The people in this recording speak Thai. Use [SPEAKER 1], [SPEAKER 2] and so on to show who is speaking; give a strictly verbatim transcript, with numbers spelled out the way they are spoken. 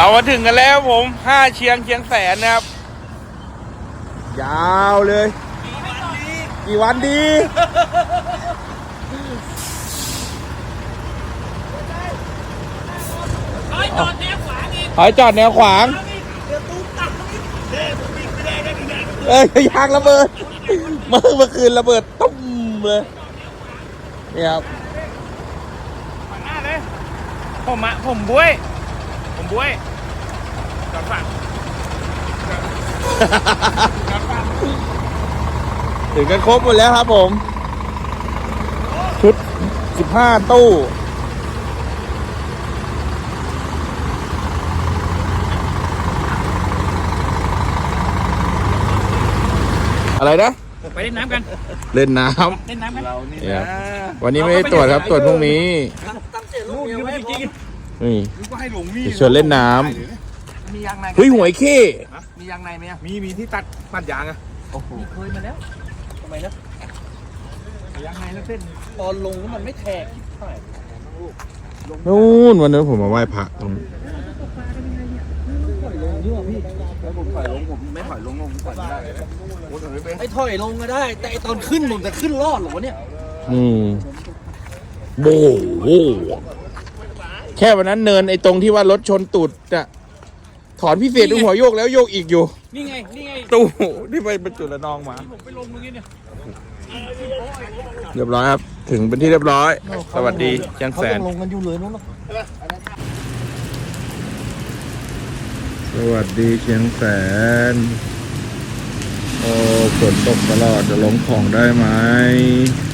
[SPEAKER 1] มาถึงกันแล้วผมห้าเชียงเชียงแสนนะครับยาวเลยกี่วันดี
[SPEAKER 2] ถอยจอดแนวขวางอีก
[SPEAKER 1] ถอยจอดแนวขวางเอ้ยยางระเบิดเมื่อเมื่อคืนระเบิดตุ้มเลยนี่ครับ
[SPEAKER 2] ขวางหน้าเลยผมอะผมบุ้ยผมบุ้ยจอดฝั่ง
[SPEAKER 1] ถึงกันครบหมดแล้วครับผมชุดสิบห้าตู้อะไรนะ
[SPEAKER 2] ไปเล่นน้ำกัน
[SPEAKER 1] เล่นน้
[SPEAKER 2] เล่นน้ำกัน
[SPEAKER 1] ำเนี่ยวันนี้ไม่ได้ตรวจครับตรวจพรุ่งนี้
[SPEAKER 2] นู่นยืมไปจริง
[SPEAKER 1] นี่
[SPEAKER 2] ก็ให้หลงมี
[SPEAKER 1] จะชวนเล่นน้
[SPEAKER 2] มียางใน
[SPEAKER 1] ำเฮ้ยหวยเข้
[SPEAKER 2] มียางในไหมอะ
[SPEAKER 3] มีมีที่ตัดปัดยางอะ
[SPEAKER 2] โอ้โหเคยมาแล้วทำไมนะยางในแล้วเส้นตอนลงมันไม่แทกเท่าไหร่
[SPEAKER 1] นู่นวันนั้นผมมาไหว้พระตรง
[SPEAKER 3] ผมถอยลงผมไม่ถอยลงผมถอยไม่ได้เลยโอ้ถอยไม่เป็น
[SPEAKER 2] ไอ้ถอยลงก็ได้ แต่ไอ้ตอนขึ้นผมจะขึ้นรอดหรอวะเนี่ย
[SPEAKER 1] อืมโบ้โหแค่วันนั้นเนินไอ้ตรงที่ว่ารถชนตูดอะถอนพิเศษตรงหัวโยกแล้วโยกอีกอยู่
[SPEAKER 2] นี่ไงนี่ไง
[SPEAKER 1] ตู้ที่ไปบรรจุระนองมา
[SPEAKER 2] ผมไปลงเมื่อกี้เนี่ย
[SPEAKER 1] เรียบร้อยครับ ถึงเป็นที่เรียบร้อย สวัสดีเชียงแสน
[SPEAKER 2] ลงกันอยู่เลยนู้น
[SPEAKER 1] สวัสดีเชียงแสน โอ้ฝนตกตลอดจะลงของได้ไหม